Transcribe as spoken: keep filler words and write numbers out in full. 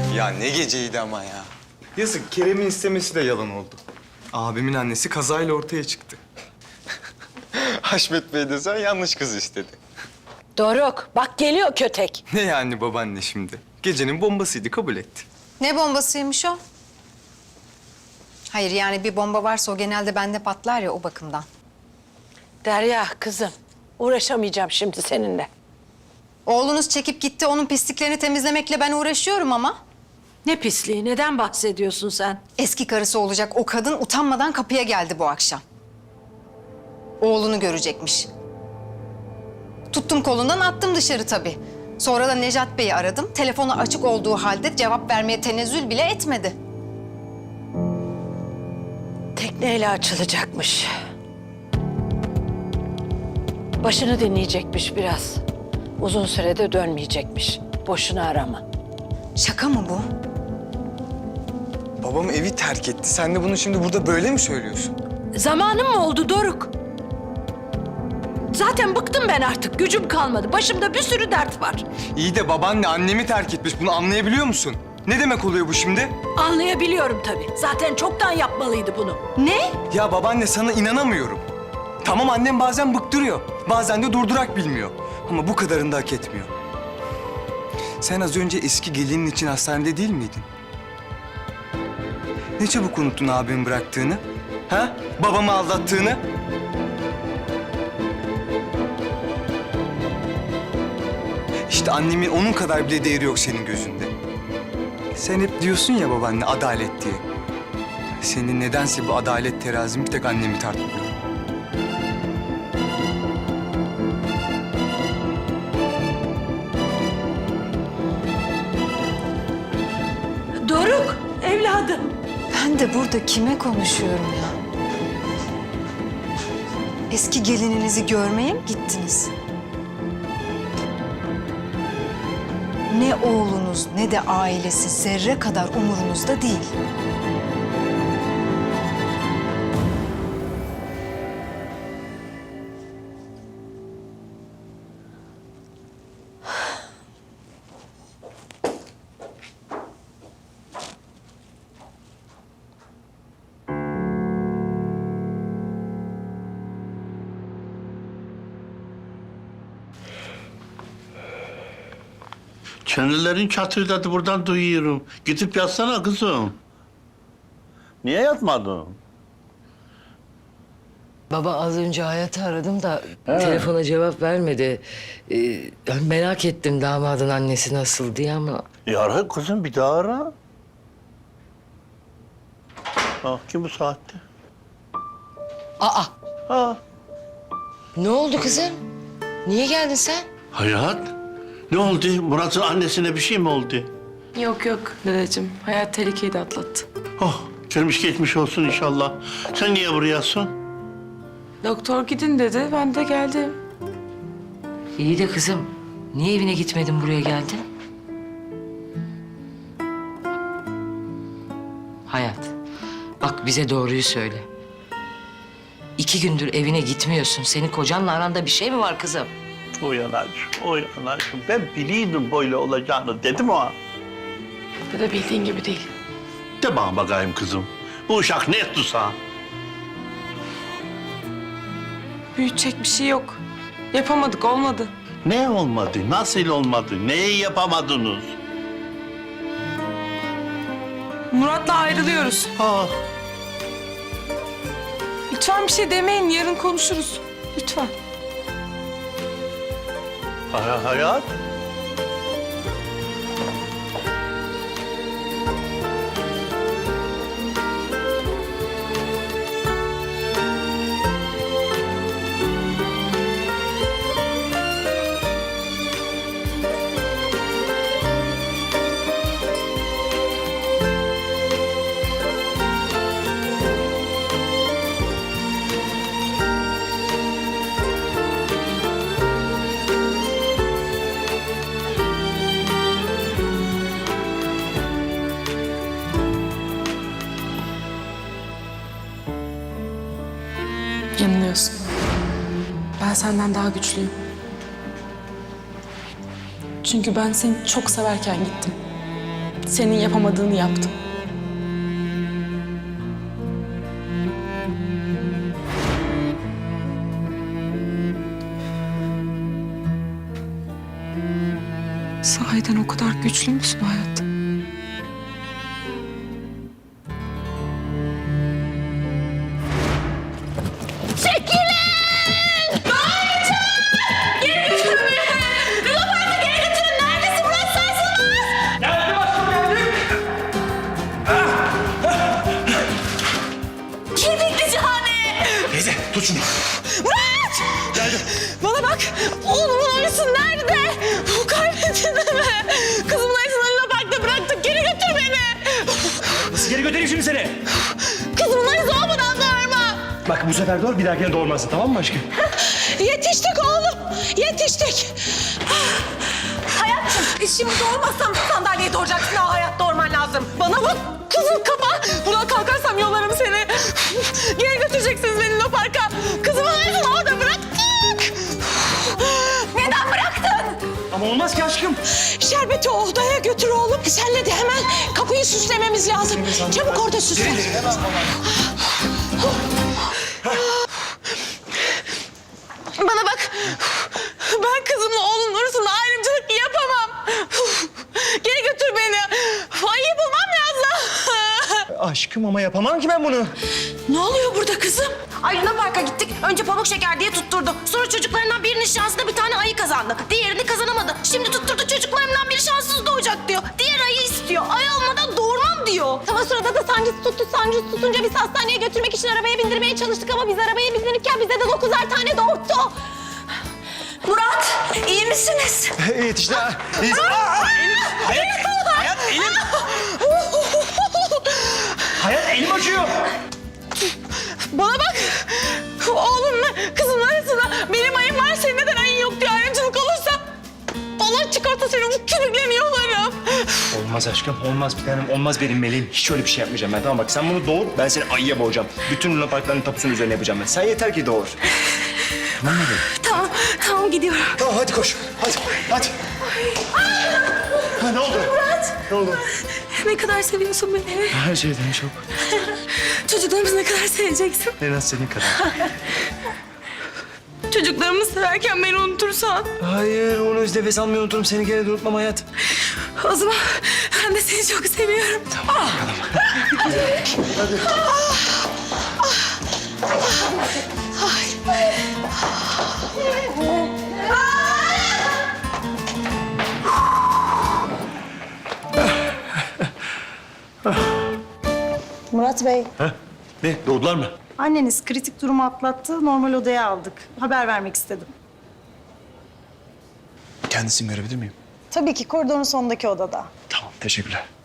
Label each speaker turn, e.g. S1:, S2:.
S1: Ya ne geceydi ama ya. Yazık, Kerem'in istemesi de yalan oldu. Abimin annesi kazayla ortaya çıktı. Haşmet Bey de sen yanlış kız istedi.
S2: Doruk, bak geliyor kötek.
S1: Ne yani babaanne şimdi? Gecenin bombasıydı, kabul etti.
S3: Ne bombasıymış o? Hayır yani bir bomba varsa o genelde bende patlar ya o bakımdan.
S2: Derya kızım, uğraşamayacağım şimdi seninle.
S3: Oğlunuz çekip gitti, onun pisliklerini temizlemekle ben uğraşıyorum ama.
S2: Ne pisliği, neden bahsediyorsun sen?
S3: Eski karısı olacak o kadın utanmadan kapıya geldi bu akşam. Oğlunu görecekmiş. Tuttum kolundan attım dışarı tabii. Sonra da Nejat Bey'i aradım. Telefonu açık olduğu halde cevap vermeye tenezzül bile etmedi.
S2: Tekneyle açılacakmış. Başını dinleyecekmiş biraz. Uzun sürede dönmeyecekmiş. Boşuna arama.
S3: Şaka mı bu?
S1: Babam evi terk etti. Sen de bunu şimdi burada böyle mi söylüyorsun?
S2: Zamanım mı oldu Doruk? Zaten bıktım ben artık. Gücüm kalmadı. Başımda bir sürü dert var.
S1: İyi de babaanne annemi terk etmiş. Bunu anlayabiliyor musun? Ne demek oluyor bu şimdi?
S2: Anlayabiliyorum tabii. Zaten çoktan yapmalıydı bunu.
S3: Ne?
S1: Ya babaanne sana inanamıyorum. Tamam annem bazen bıktırıyor. Bazen de durdurak bilmiyor. Ama bu kadarını da hak etmiyor. Sen az önce eski gelinin için hastanede değil miydin? Ne çabuk unuttun abimin bıraktığını? Ha? Babamı aldattığını? İşte annemin onun kadar bile değeri yok senin gözünde. Sen hep diyorsun ya babaanne adalet diye. Senin nedense bu adalet terazin bir tek annemi tartmıyor.
S2: Doruk, evladım.
S3: Ben de burada kime konuşuyorum ya? Eski gelininizi görmeye mi gittiniz? Ne oğlunuz ne de ailesi zerre kadar umurunuzda değil.
S4: Çenelerin çatırdadı buradan duyuyorum. Gidip yatsana kızım. Niye yatmadın?
S5: Baba az önce Hayat'ı aradım da telefona cevap vermedi. Ee, ben merak ettim damadın annesi nasıl diye ama...
S4: E ara kızım bir daha ara. Ha, kim bu saatte?
S5: Aa!
S4: Ha.
S5: Ne oldu kızım? Niye geldin sen?
S4: Hayat. Ne oldu? Murat'ın annesine bir şey mi oldu?
S6: Yok yok dedeciğim. Hayat tehlikeyi de atlattı.
S4: Oh, gelmiş geçmiş olsun inşallah. Sen niye burayasın?
S6: Doktor gidin dedi. Ben de geldim.
S5: İyi de kızım, niye evine gitmedin buraya geldin? Hayat, bak bize doğruyu söyle. İki gündür evine gitmiyorsun. Senin kocanla aranda bir şey mi var kızım?
S4: Uyan aşkım, uyan aşkım. Ben biliyordum böyle olacağını dedim o.
S6: Bu da bildiğin gibi değil.
S4: De bana bakayım kızım. Bu uşak ne etti sana?
S6: Büyütecek bir şey yok. Yapamadık, olmadı.
S4: Ne olmadı? Nasıl olmadı? Neyi yapamadınız?
S6: Murat'la ayrılıyoruz.
S4: Ha.
S6: Lütfen bir şey demeyin. Yarın konuşuruz. Lütfen.
S4: Hay- Hayat.
S6: Yanılıyorsun. Ben senden daha güçlüyüm. Çünkü ben seni çok severken gittim. Senin yapamadığını yaptım. Sahiden o kadar güçlü müsün hayat?
S7: Teyze tut şunu.
S6: Bana bak, oğlumun arısı nerede? Kaybettin mi? Kızımın arısını Luna Park'ta bıraktık, geri götür beni.
S7: Nasıl geri götüreyim şimdi seni?
S6: Kızımın arısı olmadan doğurma.
S7: Bak bu sefer doğru bir dahakine doğurmazsın tamam mı aşkım?
S6: Yetiştik oğlum, yetiştik. Hayatım, şimdi doğurmazsam sandalyeye doğuracaksın. Daha hayat doğurman lazım. Bana bak, kızım kapa. Buradan kalkarsam yollarım seni. Geri götüreceksiniz beni Luna Park'a. Kızımın arısını orada bıraktık. Neden bıraktın?
S7: Ama olmaz ki aşkım.
S6: Şerbeti o odaya götür oğlum. Senle de hemen kapıyı süslememiz lazım. Çabuk orada süsle. Bana bak. Ben kızımla oğlunun arasında ayrımcılık yapamam. Geri götür beni. Ayıyı bulmam lazım.
S7: Aşkım ama yapamam ki ben bunu.
S6: Ne oluyor burada kızım?
S2: Ay Luna Park'a gittik. Önce pamuk şeker diye tutturdu. Sonra çocuklarından birinin şansına bir tane ayı kazandı. Diğerini kazanamadı. Şimdi tutturdu çocuklarından biri şanssız doğacak diyor. Diğer ayı istiyor. Ay olmadan doğurmam diyor.
S8: Tam o sırada da sancısı tuttu. Sancısı tutunca biz hastaneye götürmek için arabaya bindirmeye çalıştık ama biz arabaya bindirirken bize de dokuzar tane doğurttu.
S2: Murat, iyi misiniz?
S7: Yetişti ha. İyiyiz. Hayat, hayat elim. Hayat elim acıyor.
S6: Bana bak. Oğlumla kızımın arasında benim ayım var. Senin neden ayın yok diye ayrımcılık olursa Allah çıkarsa seni bu kürüklerini yolarım.
S7: Olmaz aşkım, olmaz bir tanem, olmaz benim meleğim. Hiç öyle bir şey yapmayacağım ben. Tamam bak sen bunu doğur, ben seni ayıya boğacağım. Bütün Luna Parkların tapusunun üzerine yapacağım ben. Sen yeter ki doğur. Tamam mı benim?
S2: Tamam, tamam gidiyorum.
S7: Tamam hadi koş. Hadi, hadi. Ha, ne oldu?
S2: Murat.
S7: Ne oldu?
S2: Ne kadar seviyorsun beni?
S7: Her şeyden çok.
S2: Çocuklarımızı ne kadar seveceksin?
S7: En az senin kadar.
S6: Çocuklarımı severken beni unutursan.
S7: Hayır, onu öz nefes almayı unuturum. Seni gene de unutmam hayat.
S6: O zaman ben de seni çok seviyorum.
S7: Tamam, bakalım. Hadi.
S9: Murat Bey,
S7: Ha? Ne, doğdular mı?
S9: anneniz kritik durumu atlattı. Normal odaya aldık. Haber vermek istedim.
S7: Kendisini görebilir miyim?
S9: Tabii ki koridorun sonundaki odada.
S7: Tamam, teşekkürler.